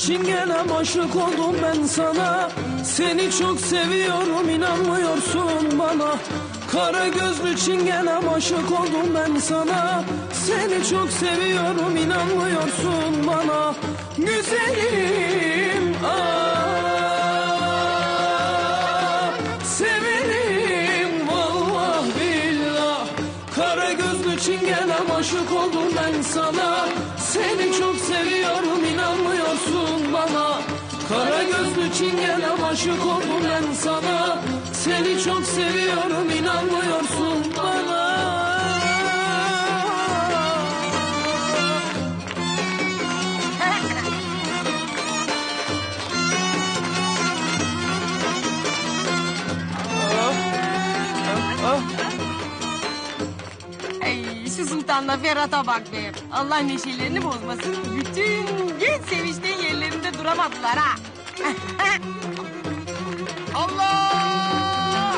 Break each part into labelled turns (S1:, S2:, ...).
S1: çingenem aşık oldum ben sana. Seni çok seviyorum inanmıyorsun bana. Kara gözlü çingenem aşık oldum ben sana. Seni çok seviyorum inanmıyorsun bana. Güzelim severim vallah billah. Kara gözlü çingenem aşık oldum ben sana. Seni çok seviyorum inanmıyorsun bana. Kara gözlü çingenem aşık oldum ben sana. Seni çok seviyorum inanmıyorsun bana.
S2: Ay, şu Sultan'la Ferhat'a bak be. Allah neşelerini bozmasın. Bütün gün sevinçten yerlerinde duramadılar ha.
S3: Allah!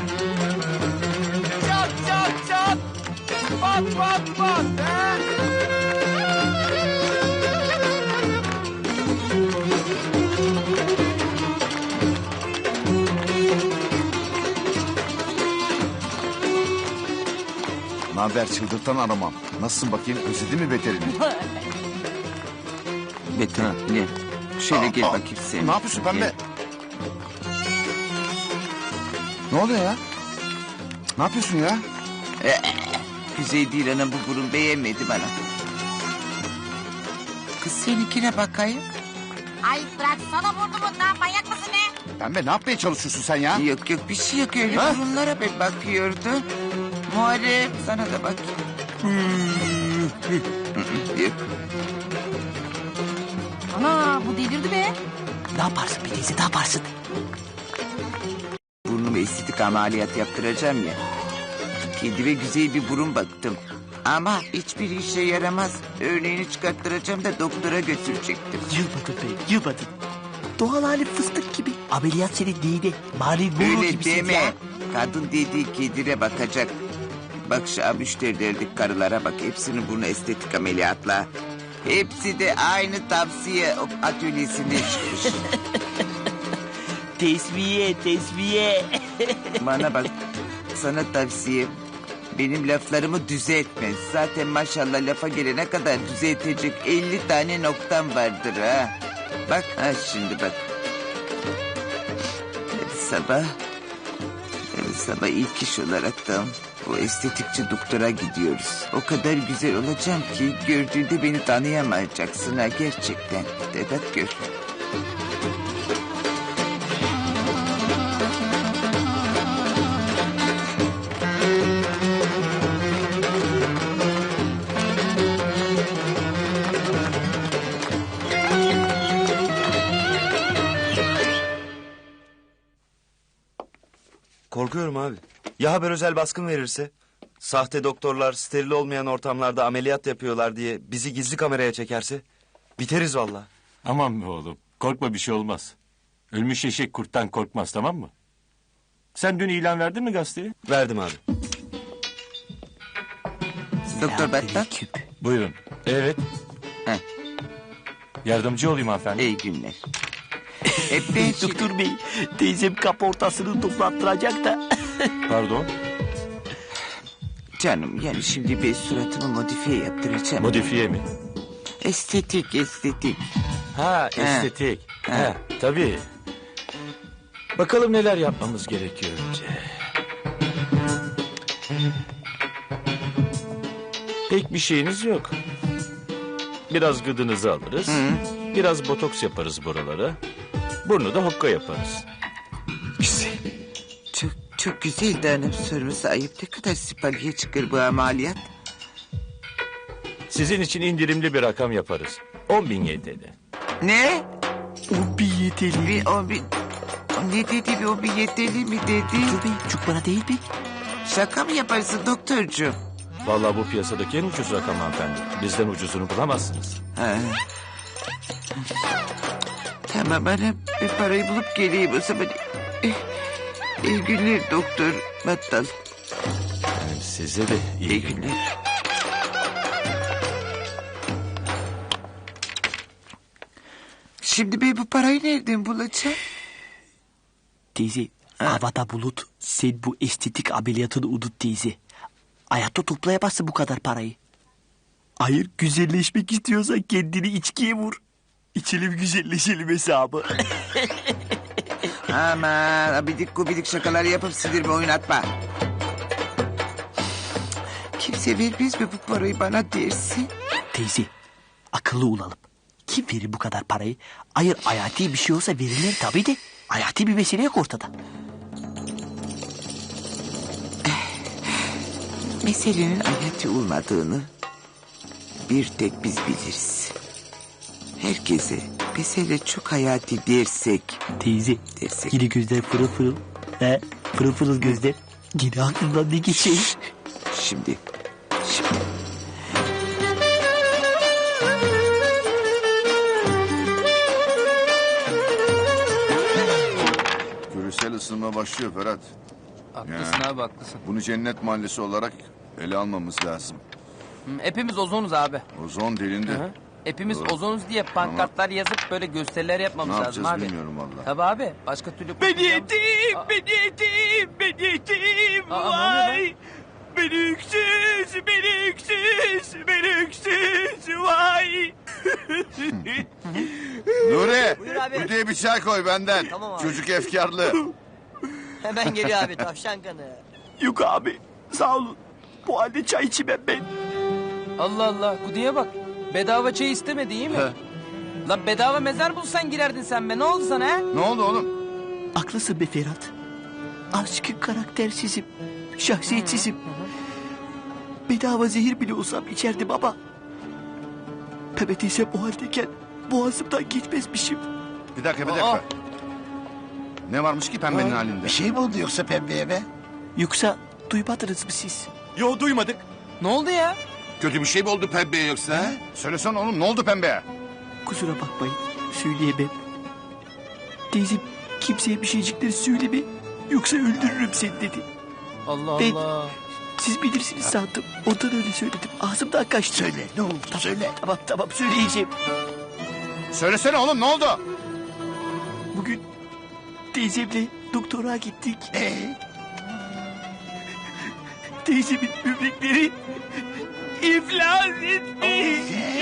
S3: Çat çat çat! Pat pat pat! He?
S4: Naber çıldırtan aramam. Nasılsın bakayım? Özledin mi beterini?
S5: Beter ne? Şöyle gel bakayım sen.
S4: Ne yapıyorsun pembe?
S5: Gel.
S4: Ne oluyor ya? Ne yapıyorsun ya?
S5: Güzel değil anam, bu burun beğenmedi bana. Kız seninkine bakayım.
S2: Ay bıraksana burnumdan, manyak mısın ne?
S4: Pembe ne yapmaya çalışıyorsun sen ya?
S5: Yok yok, bir şey yok, öyle
S4: Ha?
S5: burunlara ben bakıyordum. Muharrem sana da bak. Yok.
S2: Ana bu delirdi be.
S3: Ne yaparsın bir teyze, ne yaparsın?
S5: Burnumu estetik ameliyat yaptıracağım ya. Kendime güzel bir burun baktım. Ama hiçbir işe yaramaz. Örneğini çıkarttıracağım da doktora götürecektim.
S3: Yılmadın be, yılmadın. Doğal hali fıstık gibi. Ameliyat senin değil. Bari gurur
S5: Öyle
S3: gibisin
S5: deme.
S3: ya.
S5: Kadın dediği kedire bakacak. Bak şu müşterilerdik karılara bak. Hepsinin burnu estetik ameliyatla. Hepsi de aynı tavsiye atölyesinden çıkmış.
S3: Tesviye, tesviye.
S5: Bana bak, sana tavsiye. Benim laflarımı düzeltme. Zaten maşallah lafa gelene kadar düzeltecek 50 tane noktam vardır ha. Bak ha, şimdi bak. Yarın sabah ilk iş olaraktan bu estetikçi doktora gidiyoruz. O kadar güzel olacağım ki gördüğünde beni tanıyamayacaksın ha, gerçekten. De bak gör.
S6: Korkuyorum abi. Ya haber özel baskın verirse? Sahte doktorlar steril olmayan ortamlarda ameliyat yapıyorlar diye bizi gizli kameraya çekerse? Biteriz vallahi.
S7: Aman be oğlum, korkma, bir şey olmaz. Ölmüş eşek kurttan korkmaz, tamam mı? Sen dün ilan verdin mi gazeteye?
S6: Verdim abi.
S5: Doktor Battal.
S3: Selamünaleyküm.
S7: Buyurun. Evet.
S5: Heh.
S7: Yardımcı olayım hanımefendi.
S5: İyi günler. Ben
S3: Doktor bey, teyzem kaportasını toplattıracak da.
S7: Pardon.
S5: Canım yani şimdi ben suratımı modifiye yaptıracağım.
S7: Modifiye mi?
S5: Estetik.
S7: Ha, estetik. Ha, tabii. Bakalım neler yapmamız gerekiyor önce. Pek bir şeyiniz yok. Biraz gıdınızı alırız. Biraz botoks yaparız buralara. Burnu da hokka yaparız.
S5: Güzel. Çok güzel de hanım, sorması ayıp. Ne kadar sipaliye çıkar bu ameliyat?
S7: Sizin için indirimli bir rakam yaparız. 10.000 YTL.
S5: Ne?
S3: O bir yeteli.
S5: Ne dedi, bir o bir yeteli mi dedi?
S3: Doktor bey, çok bana değil mi?
S5: Şaka mı yaparsın doktorcuğum?
S7: Vallahi bu piyasadaki en ucuz rakam hanımefendi. Bizden ucuzunu bulamazsınız.
S5: Ha. Tamam hanım, bir parayı bulup geleyim o zaman. İyi günler doktor Battal.
S7: Yani size de iyi
S5: İyi
S7: günler.
S5: günler. Şimdi ben bu parayı nereden bulacağım?
S3: Teyze, havada bulut. Sen bu estetik ameliyatını unut teyze. Hayatta toplayamazsın bu kadar parayı. Hayır, güzelleşmek istiyorsan kendini içkiye vur. İçelim güzelleşelim hesabı.
S5: Aman abidik gubidik şakalar yapıp sinirime oynatma. Kimse vermez mi bu parayı bana dersin?
S3: Teyze, akıllı olalım. Kim verir bu kadar parayı? Hayır, hayati bir şey olsa verirler tabii de. Hayati bir mesele yok ortada.
S5: Meselenin hayati olmadığını bir tek biz biliriz. Herkese mesele çok hayati dersek.
S3: Teyze,
S5: Dersek.
S3: yine gözler fırıl fırıl. He, fırıl fırıl gözler. Yine aklımdan ne geçiyor?
S5: Şimdi.
S8: Küresel ısınma başlıyor Ferhat.
S9: Haklısın abi haklısın.
S8: Bunu cennet mahallesi olarak ele almamız lazım.
S9: Hepimiz ozonuz abi.
S8: Ozon delindi.
S9: Hepimiz
S8: Doğru.
S9: ozonuz diye pankartlar yazıp böyle gösteriler
S8: Ne
S9: yapmamız lazım
S8: yapacağız
S9: abi.
S8: bilmiyorum valla.
S9: Tabii abi. Başka türlü...
S3: Ben yedim, ben yedim, ben yedim.
S9: Aa, ne oluyor
S3: Vay. Ben öksüz, ben öksüz, ben öksüz. Vay.
S8: Nuri,
S10: Buyur abi.
S8: bu diye bir çay koy benden.
S10: Tamam abi.
S8: Çocuk efkarlı.
S10: Hemen geliyor abi tavşan kanı.
S3: Yok abi, sağ olun. Bu halde çay içmem ben.
S9: Allah Allah. Kudiye bak. Bedava çay istemedi iyi mi? Lan bedava mezar bulsan girerdin sen be. Ne oldu sana ha?
S8: Ne oldu oğlum?
S3: Haklısın be Ferhat. Azıcık karaktersizim, şahsiyetsizim. Bedava zehir bile olsam içerdim ama... Pembe teyzem o haldeyken boğazımdan geçmezmişim.
S8: Bir dakika. Ne varmış ki pembenin halinde?
S3: Bir şey mi oldu yoksa pembeye be? Yoksa duymadınız mı siz?
S6: Yo duymadık.
S9: Ne oldu ya?
S8: Kötü bir şey mi oldu pembeye yoksa? He? Söylesene oğlum ne oldu pembeye?
S3: Kusura bakmayın, söyleyemem. Teyzem kimseye bir şeycikleri söyleme, yoksa öldürürüm seni dedi.
S9: Allah
S3: Ben-
S9: Allah.
S3: Siz bilirsiniz sandım, ondan öyle söyledim. Ağzımdan kaçtı. Söyle, ne oldu söyle. Tamam söyleyeceğim.
S8: Söylesene oğlum ne oldu?
S3: Bugün teyzemle doktora gittik. Teyzemin böbrekleri iflas etmiş.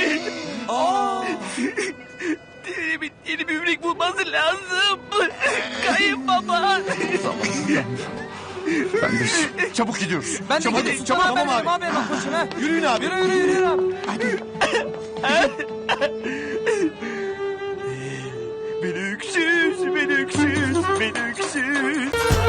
S3: Teyzemin yeni böbrek bulması lazım. Kayınbaba.
S8: Çabuk gidiyoruz.
S9: Ben de
S8: Çabuk,
S9: gideyim.
S8: çabuk.
S9: Tamam abi. Bak boşuna.
S8: Yürüyün abi.
S9: Yürü abi.
S3: Ben öksüz, ben öksüz, ben öksüz.